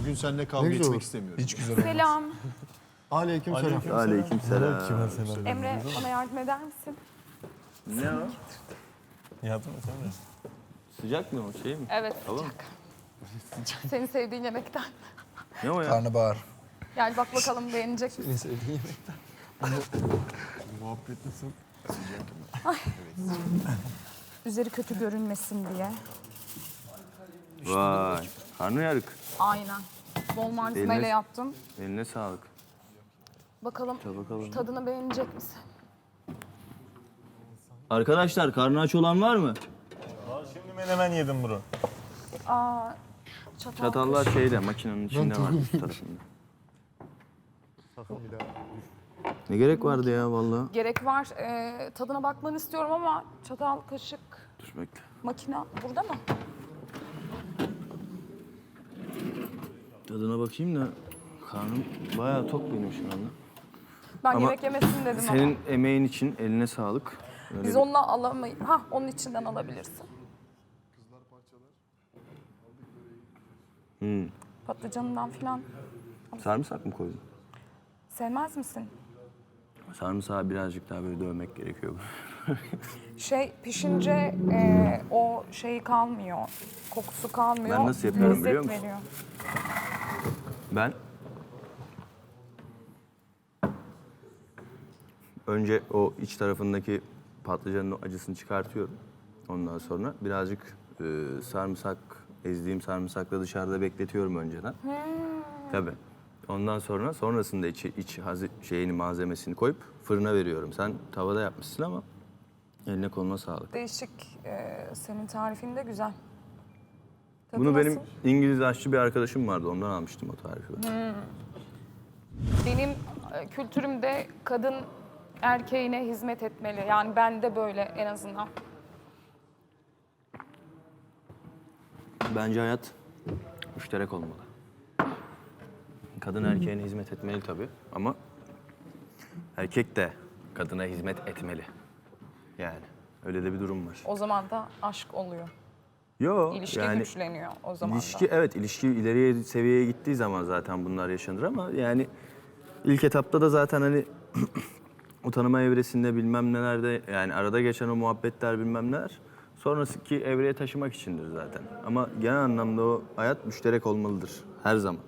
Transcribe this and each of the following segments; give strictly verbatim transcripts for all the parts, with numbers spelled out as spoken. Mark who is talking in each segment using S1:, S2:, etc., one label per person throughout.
S1: Bugün seninle kavga
S2: güzel
S1: etmek
S2: olur.
S1: istemiyorum.
S2: Hiç güzel olmaz.
S3: Selam.
S2: Aleyküm selam.
S4: Aleykümselam.
S3: Emre, bana yardım eder misin?
S4: Ne o?
S5: Yardım et Emre.
S4: Sıcak mı o şey mi?
S3: Evet,
S4: Tamam.
S3: sıcak. Senin sevdiğin yemekten.
S4: Ne o ya?
S2: Karnabahar.
S3: Gel bak bakalım beğenecek misin?
S2: En sevdiğin yemekten. Muhabbet nasıl?
S3: Üzeri kötü görünmesin diye.
S4: Vay. Karnıyarık.
S3: Aynen. Bol malzemeyle
S4: Eline-
S3: yaptım.
S4: Eline sağlık.
S3: Bakalım,
S4: Tabii bakalım.
S3: tadını beğenecek misin?
S4: Arkadaşlar karnı aç olan var mı?
S5: Aa, şimdi menemen yedim bro.
S3: Aa, çatal.
S4: Çatallar şeyde makinenin içinde var üst tarafında.
S2: Sakın bir daha.
S4: Ne gerek vardı ya vallahi.
S3: Gerek var. Ee, tadına bakmanı istiyorum ama çatal, kaşık,
S4: Dur bekle.
S3: makine burada mı?
S4: Tadına bakayım da karnım bayağı tok benim şu anda.
S3: Ben
S4: Ama
S3: yemek yemesin dedim
S4: Senin
S3: ama.
S4: emeğin için eline sağlık. Öyle
S3: Biz
S4: bir-
S3: onunla alamayız. Ha, onun içinden alabilirsin.
S4: Hmm.
S3: Patlıcanından filan.
S4: Sarımsak mı koydun?
S3: Sevmez misin?
S4: Sarımsağı birazcık daha böyle dövmek gerekiyor.
S3: Şey pişince e, o şeyi kalmıyor, kokusu kalmıyor.
S4: Ben nasıl yapıyorum
S3: lezzet
S4: biliyor musun?
S3: veriyor.
S4: Ben önce o iç tarafındaki patlıcanın o acısını çıkartıyorum. Ondan sonra birazcık e, sarımsak, ezdiğim sarımsakla dışarıda bekletiyorum önceden. Tabii. Ondan sonra sonrasında içi, iç hazi, şeyini malzemesini koyup fırına veriyorum. Sen tavada yapmışsın ama eline koluna sağlık.
S3: Değişik, e, senin tarifin de güzel. Tadı
S4: Bunu benim
S3: nasıl?
S4: İngiliz aşçı bir arkadaşım vardı. Ondan almıştım o tarifi. ben.
S3: Benim e, kültürümde kadın erkeğine hizmet etmeli. Yani ben de böyle en azından.
S4: Bence hayat müşterek olmalı. Kadın erkeğine hizmet etmeli tabii ama erkek de kadına hizmet etmeli. Yani öyle de bir durum var.
S3: O zaman da aşk oluyor.
S4: Yo,
S3: İlişki
S4: yani
S3: güçleniyor o zaman
S4: ilişki
S3: da.
S4: evet ilişki ileriye seviyeye gittiği zaman zaten bunlar yaşanır ama yani ilk etapta da zaten hani o tanıma evresinde bilmem nelerde yani arada geçen o muhabbetler bilmem neler sonraki evreye taşımak içindir zaten. Ama genel anlamda o hayat müşterek olmalıdır her zaman.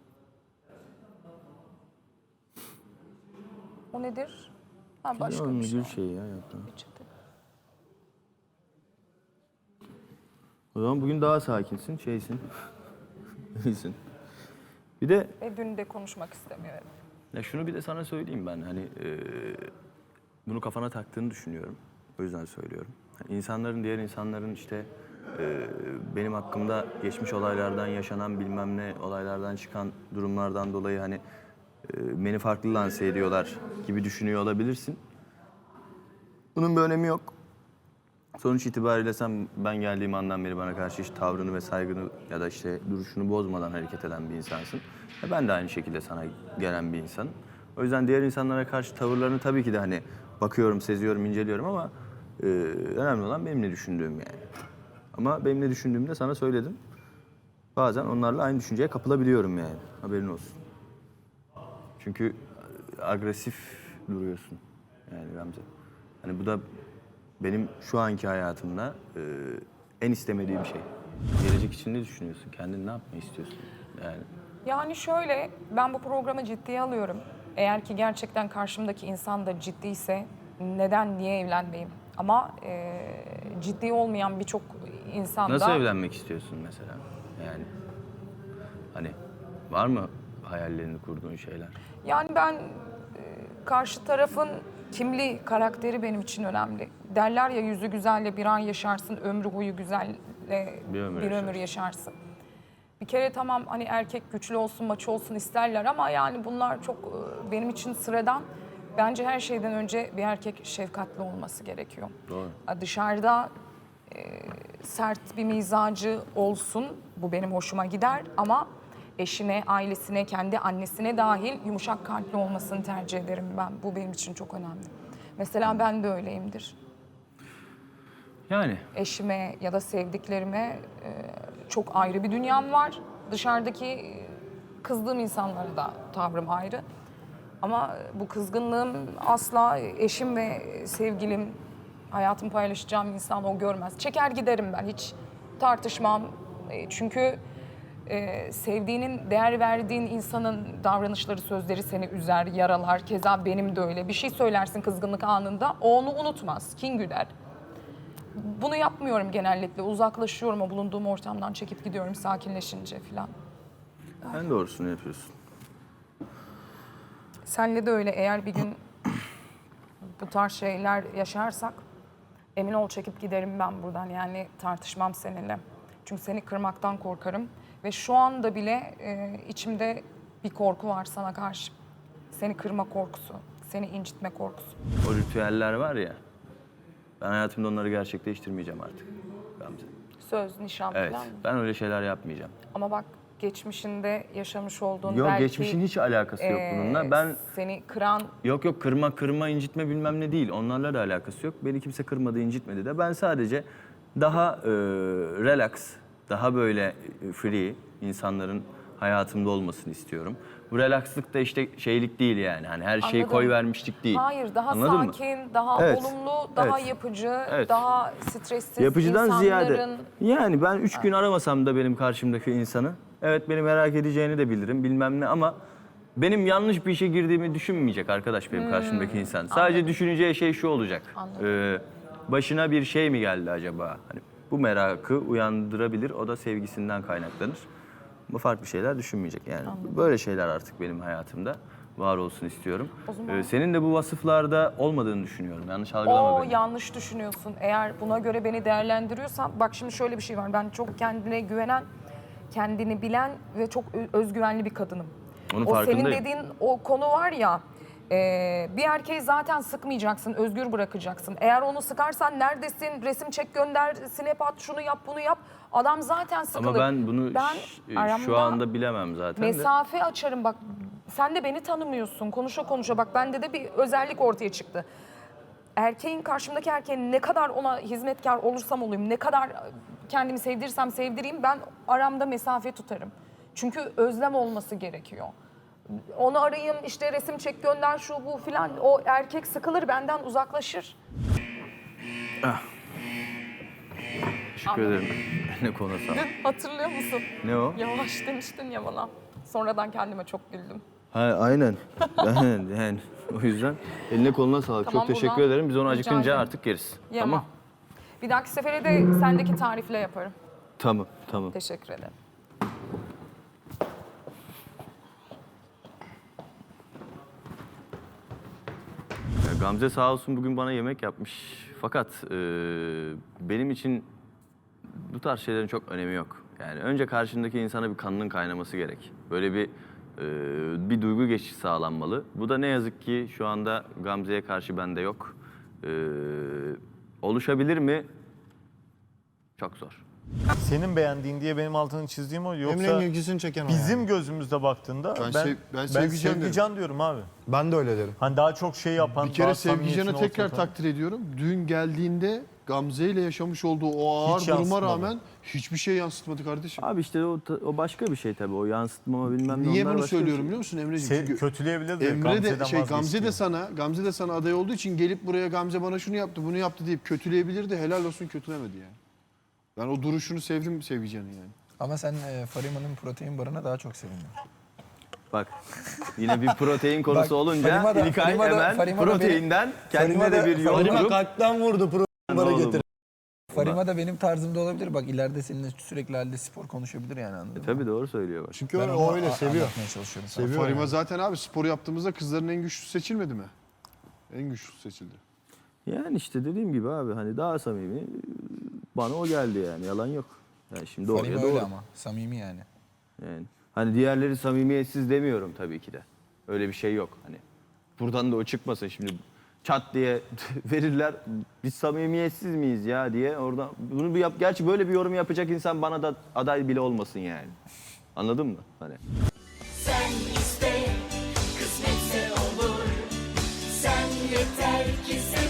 S3: O nedir? Ha, başka
S4: Onun
S3: bir şey.
S4: gül şeyi ya yaptığın.
S3: Peçete.
S4: O zaman bugün daha sakinsin, şeysin. İyisin. Bir de
S3: Ve dün de konuşmak istemiyorum.
S4: ya şunu bir de sana söyleyeyim ben hani e, bunu kafana taktığını düşünüyorum. O yüzden söylüyorum. Yani insanların diğer insanların işte e, benim hakkımda geçmiş olaylardan yaşanan bilmem ne olaylardan çıkan durumlardan dolayı hani e, beni farklı lanse ediyorlar gibi düşünüyor olabilirsin. Bunun bir önemi yok. Sonuç itibariyle sen ben geldiğim andan beri bana karşı hiç tavrını ve saygını ya da işte duruşunu bozmadan hareket eden bir insansın. E ben de aynı şekilde sana gelen bir insanım. O yüzden diğer insanlara karşı tavırlarını tabii ki de hani bakıyorum, seziyorum, inceliyorum ama e, önemli olan benim ne düşündüğüm yani. Ama benim ne düşündüğümü de sana söyledim. Bazen onlarla aynı düşünceye kapılabiliyorum yani. Haberin olsun. Çünkü agresif duruyorsun yani Gamze. Hani bu da benim şu anki hayatımda e, en istemediğim şey. Gelecek için ne düşünüyorsun? Kendin ne yapmayı istiyorsun? Yani
S3: Yani şöyle, ben bu programı ciddiye alıyorum. Eğer ki gerçekten karşımdaki insan da ciddiyse neden, niye evlenmeyeyim? Ama e, ciddi olmayan birçok insan
S4: nasıl
S3: da...
S4: evlenmek istiyorsun mesela? Yani hani var mı hayallerini kurduğun şeyler?
S3: Yani ben e, karşı tarafın kimliği, karakteri benim için önemli. Derler ya yüzü güzelle bir an yaşarsın, ömrü huyu güzelle
S4: Bir ömür
S3: bir ömür
S4: yaşarsın.
S3: yaşarsın. Bir kere tamam hani erkek güçlü olsun, maço olsun isterler ama yani bunlar çok e, benim için sıradan. Bence her şeyden önce bir erkek şefkatli olması gerekiyor.
S4: Doğru.
S3: E, Dışarıda e, sert bir mizacı olsun, bu benim hoşuma gider ama eşine, ailesine, kendi annesine dahil yumuşak kalpli olmasını tercih ederim ben. Bu benim için çok önemli. Mesela ben de öyleyimdir.
S4: Yani
S3: Eşime ya da sevdiklerime e, çok ayrı bir dünyam var. Dışarıdaki e, Kızdığım insanlara da tavrım ayrı. Ama bu kızgınlığım asla eşim ve sevgilim, hayatımı paylaşacağım insan o görmez. Çeker giderim ben, hiç tartışmam. E, Çünkü e, sevdiğinin, değer verdiğin insanın davranışları, sözleri seni üzer, yaralar. Keza benim de öyle. Bir şey söylersin kızgınlık anında, o onu unutmaz, kin güder. Bunu yapmıyorum genellikle. Uzaklaşıyorum, o bulunduğum ortamdan çekip gidiyorum sakinleşince falan.
S4: En doğrusunu yapıyorsun.
S3: Senle de öyle, eğer bir gün bu tarz şeyler yaşarsak emin ol çekip giderim ben buradan, yani tartışmam seninle. Çünkü seni kırmaktan korkarım ve şu anda bile e, içimde bir korku var sana karşı. Seni kırma korkusu, seni incitme korkusu.
S4: O ritüeller var ya, ben hayatımda onları gerçekleştirmeyeceğim artık Gamze.
S3: Söz, nişan
S4: Evet,
S3: falan mı?
S4: ben öyle şeyler yapmayacağım.
S3: Ama bak, geçmişinde yaşamış olduğun
S4: Yok,
S3: belki...
S4: geçmişin hiç alakası yok
S3: e,
S4: bununla. Ben
S3: Seni kıran...
S4: yok yok kırma kırma incitme bilmem ne değil. Onlarla da alakası yok. Beni kimse kırmadı, incitmedi de. Ben sadece daha e, relax, daha böyle e, free insanların hayatımda olmasını istiyorum. Bu relaxlık da işte şeylik değil yani. Hani her şeyi
S3: Anladım.
S4: koy vermişlik değil.
S3: Hayır, daha
S4: Anladın mı?
S3: sakin, daha
S4: Evet,
S3: olumlu, daha
S4: evet.
S3: yapıcı,
S4: Evet.
S3: daha stressiz
S4: Yapıcıdan
S3: insanların...
S4: ziyade. Yani ben üç gün aramasam da benim karşımdaki insanı, evet beni merak edeceğini de bilirim bilmem ne, ama benim yanlış bir işe girdiğimi düşünmeyecek arkadaş benim karşımdaki insan. Sadece düşüneceği şey şu olacak.
S3: Anladım.
S4: Ee, başına bir şey mi geldi acaba? Hani bu merakı uyandırabilir. O da sevgisinden kaynaklanır. Bu farklı şeyler düşünmeyecek yani. Böyle şeyler artık benim hayatımda var olsun istiyorum.
S3: O zaman-
S4: Ee, senin de bu vasıflarda olmadığını düşünüyorum. Yanlış algılama
S3: O
S4: beni.
S3: yanlış düşünüyorsun. Eğer buna göre beni değerlendiriyorsan, bak şimdi şöyle bir şey var. Ben çok kendine güvenen, kendini bilen ve çok ö- özgüvenli bir kadınım.
S4: Onun
S3: o senin
S4: farkındayım.
S3: dediğin o konu var ya, e, bir erkeği zaten sıkmayacaksın, özgür bırakacaksın. Eğer onu sıkarsan neredesin, resim çek gönder, snap at, şunu yap, bunu yap. Adam zaten sıkılır.
S4: Ama ben bunu
S3: Ben
S4: ş- şu
S3: aramda
S4: anda bilemem zaten de.
S3: mesafe açarım bak. Sen de beni tanımıyorsun. Konuşa konuşa bak, bende de bir özellik ortaya çıktı. Erkeğin, karşımdaki erkeğin ne kadar ona hizmetkar olursam olayım, ne kadar kendimi sevdirsem sevdireyim, ben aramda mesafe tutarım. Çünkü özlem olması gerekiyor. Onu arayayım, işte resim çek gönder, şu bu filan, o erkek sıkılır, benden uzaklaşır.
S4: Teşekkür ederim. Ne konu sağ ol.
S3: Hatırlıyor musun?
S4: Ne o?
S3: Yavaş demiştin ya bana. Sonradan kendime çok güldüm.
S4: Ha, aynen. Aynen yani o yüzden eline koluna sağlık.
S3: Tamam,
S4: Çok teşekkür
S3: buradan
S4: ederim. Biz onu
S3: rica
S4: acıkınca
S3: ederim.
S4: artık yeriz.
S3: Yemem.
S4: Tamam.
S3: Bir dahaki sefere de sendeki tarifle yaparım.
S4: Tamam, tamam.
S3: Teşekkür ederim.
S4: Ya Gamze sağ olsun bugün bana yemek yapmış. Fakat e, benim için bu tarz şeylerin çok önemi yok. Yani önce karşındaki insana bir kanının kaynaması gerek. Böyle bir e, bir duygu geçişi sağlanmalı. Bu da ne yazık ki şu anda Gamze'ye karşı bende yok. E, oluşabilir mi? Çok zor.
S5: Senin beğendiğin diye benim altını çizdiğim o, yoksa
S2: Emre'nin ilgisini çeken o
S5: bizim
S2: yani.
S5: gözümüzde baktığında
S2: Ben
S5: ben,
S2: sev- ben Sevgican derim.
S5: Sevgican diyorum abi.
S2: Ben de öyle derim.
S5: Hani daha çok şey yapan,
S1: Bir kere
S5: daha
S1: Sevgican'ı
S5: samimiyetin
S1: tekrar
S5: ortaya koyan.
S1: takdir ediyorum. Dün geldiğinde Gamze ile yaşamış olduğu o ağır
S5: Hiç
S1: duruma
S5: yansıtmadı.
S1: rağmen hiçbir şey yansıtmadı kardeşim.
S4: Abi işte o, o başka bir şey tabii. O yansıtmama bilmem ne.
S1: Niye
S4: onlar
S1: bunu
S4: başka bir
S1: söylüyorum
S4: şey.
S1: biliyor musun Emre'ciğim?
S5: Se-
S1: Çünkü
S5: kötüleyebilir de
S1: Emre
S5: Gamze'den
S1: de şey
S5: vazgeç
S1: Gamze de
S5: diyor.
S1: sana Gamze de sana aday olduğu için gelip buraya Gamze bana şunu yaptı, bunu yaptı deyip kötüleyebilirdi. Helal olsun, kötülemedi yani. Ben o duruşunu sevdim Sevgican'ın yani.
S6: Ama sen e, Farima'nın protein barına daha çok sevindin.
S4: Bak yine bir protein konusu
S6: Bak,
S4: olunca
S6: Farima da-
S4: İlkay
S6: Farima da-
S4: hemen
S6: Farima da
S4: proteinden kendine
S6: Farima
S4: de
S6: da-
S4: bir yol
S6: Farima
S4: kurup
S2: kalpten vurdu programı
S4: getir.
S6: Farima da benim tarzımda olabilir. Bak ileride seninle sürekli halde spor konuşabilir yani, anladın mı?
S4: Tabii doğru söylüyor bak.
S2: Çünkü
S6: Ben
S2: o,
S6: onu
S2: o öyle
S6: a-
S2: seviyor.
S6: anlatmaya çalışıyorum sana.
S2: Seviyor
S1: Farima
S2: yani.
S1: zaten abi spor yaptığımızda kızların en güçlüsü seçilmedi mi? En güçlüsü seçildi.
S4: Yani işte dediğim gibi abi hani daha samimi bana o geldi yani yalan yok. Yani şimdi doğruya
S6: Farima
S4: doğru.
S6: öyle ama samimi yani.
S4: Yani hani diğerleri samimiyetsiz demiyorum tabii ki de. Öyle bir şey yok. Hani buradan da o çıkmasın şimdi çat diye verirler. Biz samimiyetsiz miyiz ya diye orada bunu bir yap. Gerçi böyle bir yorum yapacak insan bana da aday bile olmasın yani. Anladın mı? Hani
S7: Sen iste, kısmetse olur. Sen yeter ki sev.